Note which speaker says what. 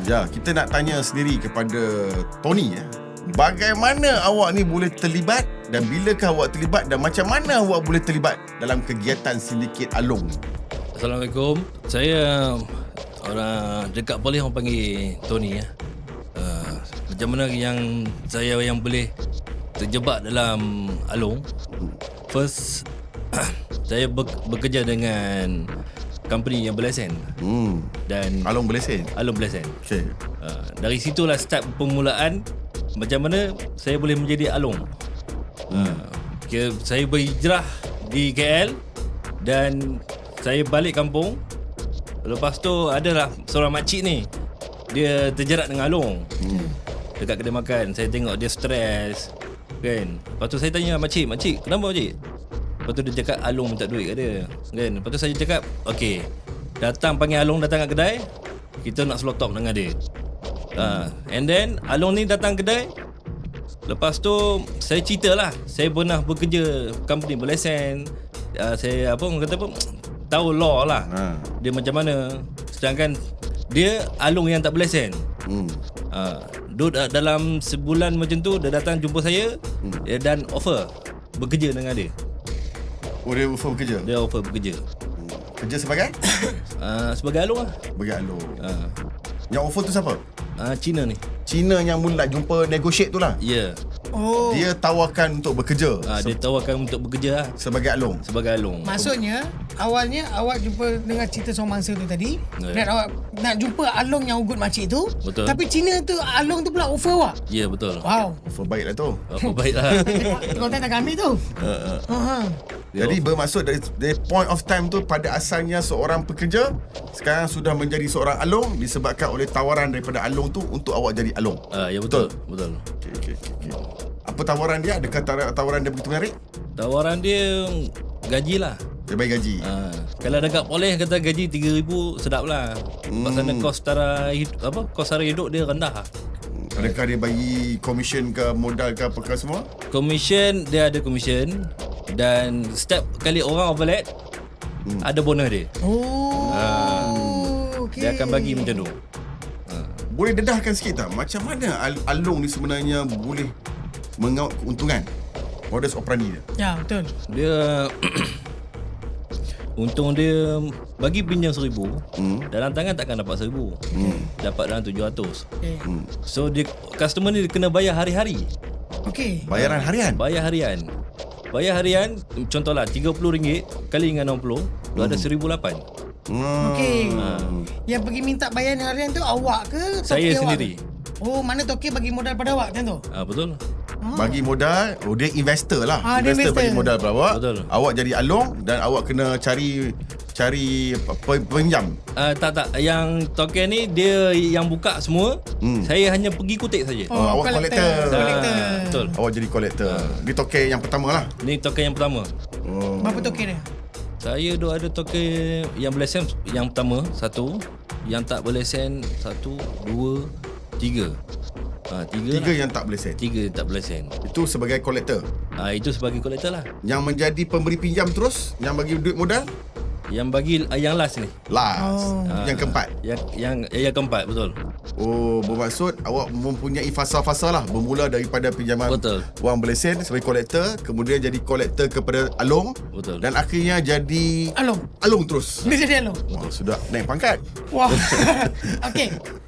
Speaker 1: Ya, kita nak tanya sendiri kepada Tony. Bagaimana awak ni boleh terlibat dan bilakah awak terlibat dan macam mana awak boleh terlibat dalam kegiatan sindiket Along?
Speaker 2: Assalamualaikum. Saya orang dekat polis orang panggil Tony ya. Macam mana yang saya yang boleh terjebak dalam Along? First saya bekerja dengan company yang berlesen. Dan
Speaker 1: Along berlesen.
Speaker 2: Along berlesen.
Speaker 1: Okey.
Speaker 2: Dari situlah start permulaan macam mana saya boleh menjadi Along. Saya berhijrah di KL dan saya balik kampung. Lepas tu adalah seorang makcik ni, dia terjerat dengan Along dekat kedai makan. Saya tengok dia stres kan. Lepas tu saya tanya makcik, kenapa makcik? Lepas tu dia cakap Along minta duit kat dia kan. Lepas tu saya cakap okey, panggil Along datang kat kedai, kita nak slow talk dengan dia. And then Along ni datang kedai. Lepas tu saya ceritalah, saya pernah bekerja company berlesen. Saya orang kata tahu law lah. Dia macam mana. Sedangkan dia Along yang tak berlesen. Dalam sebulan macam tu dia datang jumpa saya dan offer bekerja dengan dia.
Speaker 1: Oh, dia offer bekerja?
Speaker 2: Dia offer bekerja.
Speaker 1: Kerja sebagai?
Speaker 2: Sebagai Along lah.
Speaker 1: Sebagai Along. Yang offer tu siapa?
Speaker 2: Cina ni.
Speaker 1: Cina yang mula jumpa negotiate tu lah?
Speaker 2: Ya.
Speaker 3: Oh.
Speaker 1: Dia tawarkan untuk bekerja.
Speaker 2: Dia tawarkan untuk bekerja lah.
Speaker 1: Sebagai Along.
Speaker 2: Sebagai Along.
Speaker 3: Maksudnya awalnya awak jumpa dengan cerita seorang mangsa tu tadi, dan awak nak jumpa Along yang ugut makcik tu.
Speaker 2: Betul.
Speaker 3: Tapi Cina tu Along tu pula offer awak.
Speaker 2: Ya, betul.
Speaker 3: Wow.
Speaker 1: Offer baik lah tu.
Speaker 2: Apa baiklah.
Speaker 3: Konten tak ambil tu.
Speaker 1: Jadi bermaksud dari point of time tu, pada asalnya seorang pekerja, sekarang sudah menjadi seorang Along disebabkan oleh tawaran daripada Along tu untuk awak jadi Along.
Speaker 2: Ya, betul. Betul.
Speaker 1: Okay. Apa tawaran dia? Adakah tawaran dia begitu menarik?
Speaker 2: Tawaran dia gaji lah.
Speaker 1: Dia bagi gaji.
Speaker 2: Kalau dekat polis kata gaji 3,000 sedap lah. Sebab sana kos sara hidup dia rendah lah.
Speaker 1: Adakah dia bagi komisen ke, modal ke, apa ke semua?
Speaker 2: Commission, dia ada commission. Dan setiap kali orang overlap ada bonus dia.
Speaker 3: Okay.
Speaker 2: Dia akan bagi macam tu.
Speaker 1: Boleh dedahkan sikit tak macam mana Along ni sebenarnya boleh mengaut keuntungan? Modus operandi dia.
Speaker 3: Ya, betul.
Speaker 2: Dia untung dia bagi pinjam 1,000, dalam tangan takkan dapat 1,000. Dapat dalam 700.
Speaker 3: Okay.
Speaker 2: So dia customer ni dia kena bayar hari-hari.
Speaker 3: Okay.
Speaker 1: Bayaran harian?
Speaker 2: Bayar harian, contohlah RM30 kali dengan 60, tu ada 1,800.
Speaker 3: Okay. Yang pergi minta bayaran harian tu awak ke?
Speaker 2: Saya
Speaker 3: toke
Speaker 2: sendiri.
Speaker 3: Awak? Oh, mana toke bagi modal pada awak macam tu?
Speaker 2: Betul.
Speaker 1: Bagi modal, dia investor lah.
Speaker 3: Dia
Speaker 1: Investor bagi modal pada awak.
Speaker 2: Betul.
Speaker 1: Awak jadi Along dan awak kena cari penjam.
Speaker 2: Tak. Yang token ni dia yang buka semua. Saya hanya pergi kutip saja.
Speaker 1: Awak collector.
Speaker 2: Betul.
Speaker 1: Awak jadi collector. Ni token yang pertama lah.
Speaker 2: Ni token yang pertama.
Speaker 3: Berapa toke dia?
Speaker 2: Saya ada token yang berlesen yang pertama, 1. Yang tak berlesen 1, 2, 3. 3
Speaker 1: yang tak boleh set.
Speaker 2: 3 tak berlesen.
Speaker 1: Itu sebagai collector.
Speaker 2: Itu sebagai kolektor lah.
Speaker 1: Yang menjadi pemberi pinjam terus, yang bagi duit modal,
Speaker 2: Yang bagi yang last ni.
Speaker 1: last. Yang keempat.
Speaker 2: Yang keempat, betul.
Speaker 1: Oh, bermaksud awak mempunyai fasa-fasa lah. Bermula daripada pinjaman
Speaker 2: Betul.
Speaker 1: wang berlesen sebagai kolektor, kemudian jadi kolektor kepada Along.
Speaker 2: Betul.
Speaker 1: Dan akhirnya jadi
Speaker 3: Along.
Speaker 1: Along terus.
Speaker 3: Dia jadi Along.
Speaker 1: Wah, sudah naik pangkat.
Speaker 3: Wah. Okay.